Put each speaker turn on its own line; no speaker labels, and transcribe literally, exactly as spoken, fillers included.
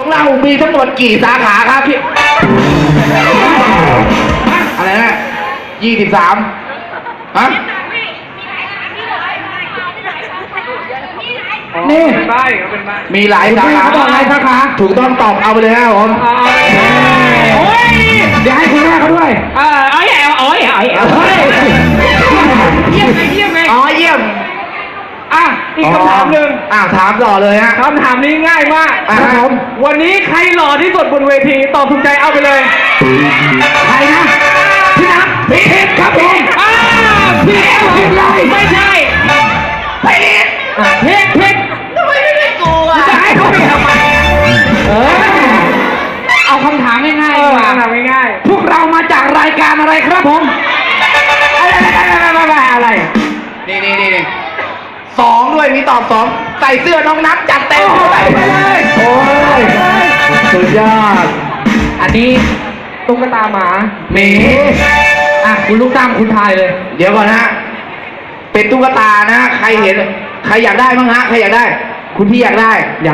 เรามีทั้งหมดกี่สาขาครับพี่อะไรนะยี่สิบสามฮะนี่
เป็นใบเป็นใบ
มีหลายสาขา
เขาบอกหลายสาขา
ถูกต้องตอบเอาไปเลยครับผม
โอ้ย
เดี๋ยวให้คุณแม่เขาด้วย
เออเอ้ยเอ้ยเอ้ยเอ้ยเยี่ยมเลยเยี่ยมเลย
อ๋อเยี่ยม
อ่ะอีกคำถามหนึ่ง
อ่าถามต่อเลยฮะ
คำถามนี้ง่ายมาก
อ่ะครับผม
วันนี้ใครหล่อที่สุดบนเวทีตอบถูกใจเอาไปเลย
ใครนะพี่นัทพี่เอกครับผม
อ้าพี่เอกผิดเลยไม่ใช่
พี่เอก
ผิดผิด
ทำไมไม่ได้กูอ่ะ
จะให้เขาไปทำไมเออ
เอาคำถามง่าย
เอ
ๆ
อ
ดีกว่า
คำถามง่าย
พวกเรามาจากรายการอะไรครับผม
อะไรอะไรอะไร
นี่นี่นี่นี่สองด้วยมีตอบสองใส่เสื้อน้องนัทจัดเต็มใส่ไปเลยโอ้ยสุดยอด
อันนี้ตุ๊กตาหมา
หมี
อ่ะคุณลูกตั้มคุณทายเลย
เดี๋ยวก่อนนะฮะเป็นตุ๊กตานะ ใครเห็น ใครอยากได้บ้างฮะ ใครอยากได้ คุณพี่อยากได้